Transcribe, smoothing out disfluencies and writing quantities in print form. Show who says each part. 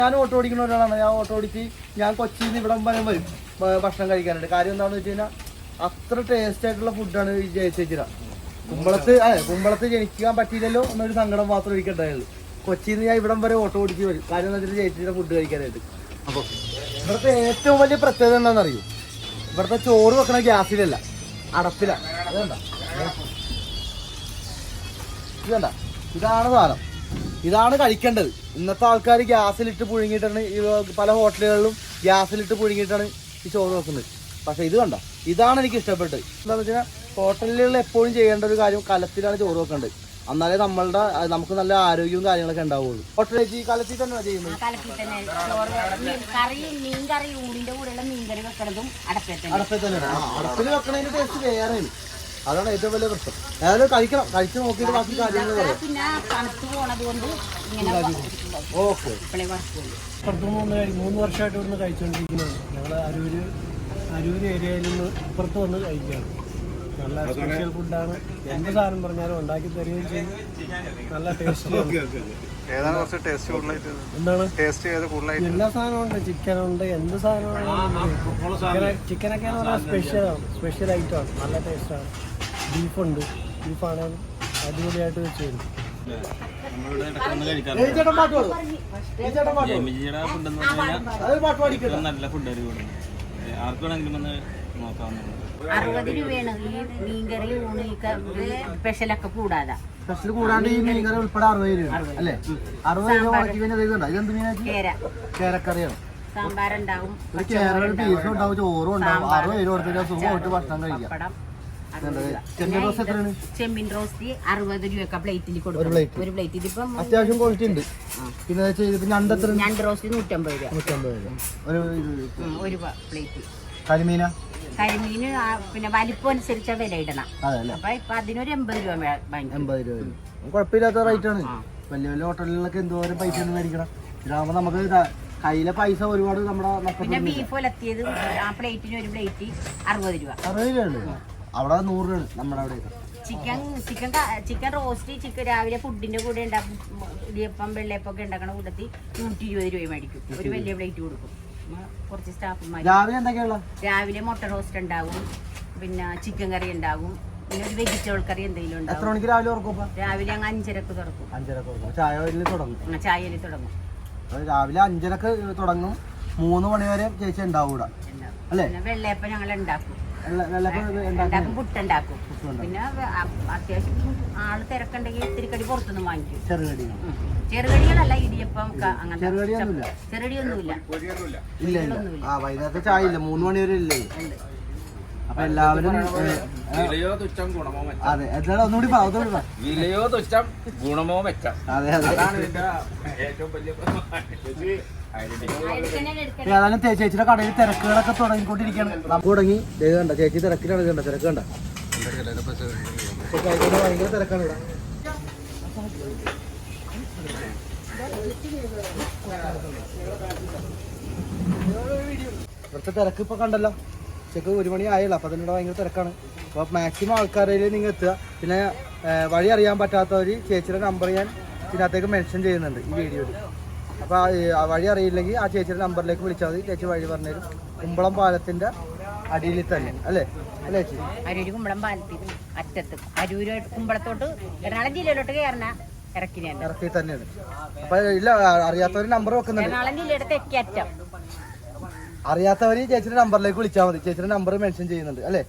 Speaker 1: ഞാൻ ഓട്ടോ ഓടിക്കുന്ന ഒരാളാണ്. ഞാൻ ഓട്ടോ ഓടിച്ച് ഞാൻ കൊച്ചിയിൽ നിന്ന് ഇവിടെ വരും ഭക്ഷണം കഴിക്കാനുണ്ട്. കാര്യം എന്താണെന്ന് വെച്ച് കഴിഞ്ഞാൽ അത്ര ടേസ്റ്റ് ആയിട്ടുള്ള ഫുഡാണ് ഈ ജയിച്ചിര. കുമ്പളത്ത് ജനിക്കാൻ പറ്റിയില്ലല്ലോ എന്നൊരു സങ്കടം മാത്രം എനിക്കുണ്ടായുള്ളൂ. കൊച്ചിയിൽ നിന്ന് ഞാൻ ഇവിടം വരെ ഓട്ടോ ഓടിച്ച് വരും. കാര്യം എന്താ വെച്ചാൽ ജയിച്ചിര ഫുഡ് കഴിക്കാനായിട്ട്. അപ്പോൾ ഇവിടുത്തെ ഏറ്റവും വലിയ പ്രത്യേകത എന്താണെന്നറിയോ? ഇവിടുത്തെ ചോറ് വെക്കണ ഗ്യാസിലല്ല, അടപ്പിലാണ്. അതേണ്ട ഇതേണ്ട, ഇതാണ് സാധനം. ഇതാണ് കഴിക്കേണ്ടത്. ഇന്നത്തെ ആൾക്കാർ ഗ്യാസിലിട്ട് പുഴുങ്ങിയിട്ടാണ് പല ഹോട്ടലുകളിലും ഗ്യാസിലിട്ട് പുഴുങ്ങിയിട്ടാണ് ഈ ചോറ് വെക്കുന്നത്. പക്ഷേ ഇത് കണ്ട, ഇതാണ് എനിക്ക് ഇഷ്ടപ്പെട്ടത്. എന്താണെന്ന് വെച്ച് കഴിഞ്ഞാൽ ഹോട്ടലുകളിൽ എപ്പോഴും ചെയ്യേണ്ട ഒരു കാര്യം കലത്തിലാണ് ചോറ് വെക്കേണ്ടത്. എന്നാലേ നമുക്ക് നല്ല ആരോഗ്യവും കാര്യങ്ങളൊക്കെ ഉണ്ടാവുള്ളൂ. ഹോട്ടലിൽ ഈ കലത്തിൽ തന്നെ ചെയ്യുന്നത്. അടപ്പിൽ തന്നെയാണ്. അടപ്പിൽ വെക്കണതിന്റെ ടേസ്റ്റ് വേറെയാണ്. അതാണ് ഏറ്റവും വലിയ പ്രശ്നം. ഏതായാലും കഴിക്കണം, കഴിച്ച് നോക്കിയിട്ട് ബാക്കി കാര്യങ്ങൾ പറയാം. ഓക്കെ.
Speaker 2: 3 വർഷമായിട്ട് ഇവിടുന്ന് കഴിച്ചുകൊണ്ടിരിക്കുന്നതാണ്. ഞങ്ങൾ അരൂര് ഏരിയയിൽ നിന്ന് ഇപ്പുറത്ത് വന്ന് കഴിക്കുകയാണ്. നല്ല സ്പെഷ്യൽ ഫുഡാണ്. എന്ത് സാധനം പറഞ്ഞാലും ഉണ്ടാക്കി തരികയും ചെയ്യും. നല്ല ടേസ്റ്റ്. എന്താണ് എല്ലാ സാധനവും ഉണ്ട്. ചിക്കനുണ്ട്, എന്ത് സാധനമാണ്. ചിക്കനൊക്കെ സ്പെഷ്യൽ ഐറ്റമാണ്. നല്ല ടേസ്റ്റാണ്. ബീഫുണ്ട്. ബീഫാണെങ്കിൽ അടിപൊളിയായിട്ട് വെച്ച് തരും.
Speaker 3: നല്ല ഫുഡ് ആർക്ക് വേണമെങ്കിലും ഒന്ന് നോക്കാവുന്നതാണ്.
Speaker 4: 60 രൂപയാണ് ഈ മീൻകറി ഊണ് സ്പെഷ്യലൊക്കെ കൂടാതെ.
Speaker 1: സ്പെഷ്യൽ കൂടാണ്ട് ഈ മീൻകറി ഉൾപ്പെടെ 60 രൂപ അല്ലേ? 60 രൂപ. ഇതെന്ത് മീനാക്കി? കേരക്കറിയാണ്.
Speaker 4: സാമ്പാറുണ്ടാവും,
Speaker 1: കേരള പീസും ഉണ്ടാവും, ചോറും ഉണ്ടാവും. 60 രൂപ കൊടുത്തിട്ട് സുഖമായിട്ട് ഭക്ഷണം കഴിക്കാം.
Speaker 4: ചെമ്മീൻ റോസ്റ്റ് 60 രൂപ പ്ലേറ്റിൽ കൊടുക്കും. ഒരു പ്ലേറ്റ് ഇതിപ്പം
Speaker 1: അത്യാവശ്യം ക്വാളിറ്റി ഉണ്ട്. പിന്നെ
Speaker 4: ഞണ്ട് റോസ്റ്റ് 150 രൂപ ഒരു പ്ലേറ്റ്.
Speaker 1: കരിമീന
Speaker 4: കരിമീന് പിന്നെ വലിപ്പം അനുസരിച്ച വില ഇടണം. അപ്പൊ ഇപ്പൊ അതിനൊരു 80 രൂപ വാങ്ങിക്കും.
Speaker 1: 80 രൂപ കുഴപ്പമില്ലാത്ത റേറ്റ് ആണ്. വലിയ വലിയ ഹോട്ടലുകളിലൊക്കെ എന്തോരം പൈസ ഒന്നും മേടിക്കണം. ഇതാകുമ്പോ നമുക്ക് കയ്യിലെ പൈസ ഒരുപാട് നമ്മുടെ.
Speaker 4: പിന്നെ ബീഫ് ഒലത്തിയത് ആ പ്ലേറ്റിന് ഒരു പ്ലേറ്റ് 60 രൂപ.
Speaker 1: 60 രൂപ. അവിടെ 100 രൂപ നമ്മുടെ അവിടെ.
Speaker 4: ചിക്കൻ റോസ്റ്റ് രാവിലെ ഫുഡിന്റെ കൂടെ ഉണ്ടാക്കും. ഇടിയപ്പം വെള്ളയപ്പം ഒക്കെ ഉണ്ടാക്കണ കൂട്ടത്തിൽ 120 രൂപ മേടിക്കും. ഒരു വലിയ പ്ലേറ്റ് കൊടുക്കും. കുറച്ച് സ്റ്റാഫുമാർ.
Speaker 1: രാവിലെ എന്തൊക്കെയുള്ള?
Speaker 4: രാവിലെ മുട്ട റോസ്റ്റ് ഉണ്ടാവും, പിന്നെ ചിക്കൻ കറി ഉണ്ടാവും, പിന്നെ ഒരു വെജിറ്റബിൾ കറി എന്തെങ്കിലും ഉണ്ടാവും.
Speaker 1: എത്ര മണിക്ക് രാവിലെ തുറക്കും?
Speaker 4: രാവിലെ അങ്ങ് 5:30 തുറക്കും.
Speaker 1: 5:30 ചായയിൽ തുടങ്ങും.
Speaker 4: ചായയിൽ തുടങ്ങും.
Speaker 1: രാവിലെ 5:30 തുടങ്ങും. 3 മണി വരെ ചേച്ചി ഉണ്ടാവൂടാ അല്ലേ?
Speaker 4: വെള്ളയപ്പം ഞങ്ങൾ ഉണ്ടാക്കും, പുട്ടുണ്ടാക്കും. പിന്നെ അത്യാവശ്യം ആള് തിരക്കുണ്ടെങ്കിൽ ഇത്തിരി കടി പുറത്തുനിന്ന് വാങ്ങിക്കും. ചെറുകടികളല്ല, ഇടിയപ്പം അങ്ങനത്തെ ചെറുകടിയൊന്നുമില്ല.
Speaker 1: വൈകുന്നേരത്തെ ചായ ഇല്ല, 3 മണി വരെ ഇല്ലേ? അപ്പൊ എല്ലാവരും അതെ എന്താണ് ഒന്നുകൂടി
Speaker 3: വിലയോ തുച്ഛം ഗുണമോ മെച്ചം.
Speaker 1: അതെ അതെ. ഏതായാലും ചേച്ചിയുടെ കടയിൽ തിരക്കുകളൊക്കെ തുടങ്ങിക്കൊണ്ടിരിക്കുകയാണ്. നമുക്ക് തുടങ്ങി കണ്ട ചേച്ചി തിരക്കിലാണ്. തിരക്ക് കണ്ട ഭയങ്കര തിരക്കാണ് ഇവിടെ. ഇവിടുത്തെ തിരക്ക് ഇപ്പൊ കണ്ടല്ലോ. ഉച്ചക്ക് 1 മണി ആയല്ലോ. അപ്പൊ അതിനോട് ഭയങ്കര തിരക്കാണ്. അപ്പോൾ മാക്സിമം ആൾക്കാരിൽ നിങ്ങൾ എത്തുക. പിന്നെ വഴി അറിയാൻ പറ്റാത്തവർ ചേച്ചിയുടെ നമ്പർ ഞാൻ ഇതിനകത്തേക്ക് മെൻഷൻ ചെയ്യുന്നുണ്ട് ഈ വീഡിയോയിൽ. അപ്പോൾ വഴി അറിയില്ലെങ്കിൽ ആ ചേച്ചിയുടെ നമ്പറിലേക്ക് വിളിച്ചാൽ മതി. ചേച്ചി വഴി പറഞ്ഞുതരും. കുമ്പളം പാലത്തിന്റെ അടിയിൽ തന്നെ അല്ലേ? അല്ലേ ചേച്ചി?
Speaker 4: അരൂര് കുമ്പളം പാലത്തിന് അറ്റത്ത്. അരൂര് കുമ്പളത്തോട്ട് എറണാകുളം ജില്ലയിലോട്ട് ഇറക്കി
Speaker 1: തന്നെയാണ്. അപ്പൊ ഇല്ല, അറിയാത്തവർ നമ്പർ വെക്കുന്നുണ്ട്.
Speaker 4: എറണാകുളം ജില്ലയുടെ തെക്കേ അറ്റം.
Speaker 1: അറിയാത്തവർ ചേച്ചിയുടെ നമ്പറിലേക്ക് വിളിച്ചാൽ മതി. ചേച്ചിയുടെ നമ്പർ മെൻഷൻ ചെയ്യുന്നുണ്ട് അല്ലേ?